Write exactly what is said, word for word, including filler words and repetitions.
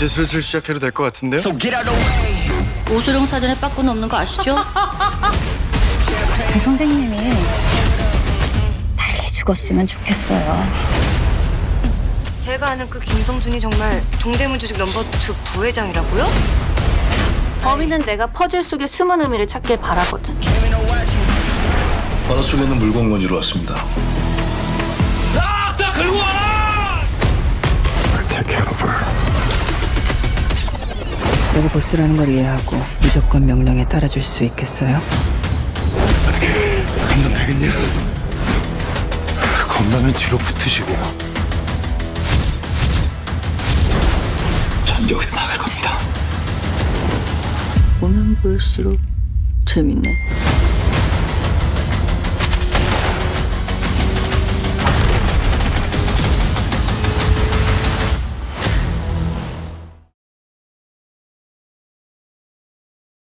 이제 슬슬 시작해도 될 것 같은데요? So get out the way. 오소룡 사전에 빠꾸는 없는 거 아시죠? 그 선생님이 빨리 죽었으면 좋겠어요. 제가 아는 그 김성준이 정말 동대문 조직 넘버 투 부회장이라고요? 범인은 내가 퍼즐 속의 숨은 의미를 찾길 바라거든. 바다 속에 있는 물건건지로 왔습니다. 내가 보스라는 걸 이해하고 무조건 명령에 따라줄 수 있겠어요? 어떻게 감당 되겠냐? 겁나면 뒤로 붙으시고 전 여기서 나갈 겁니다. 보면 볼수록 재밌네.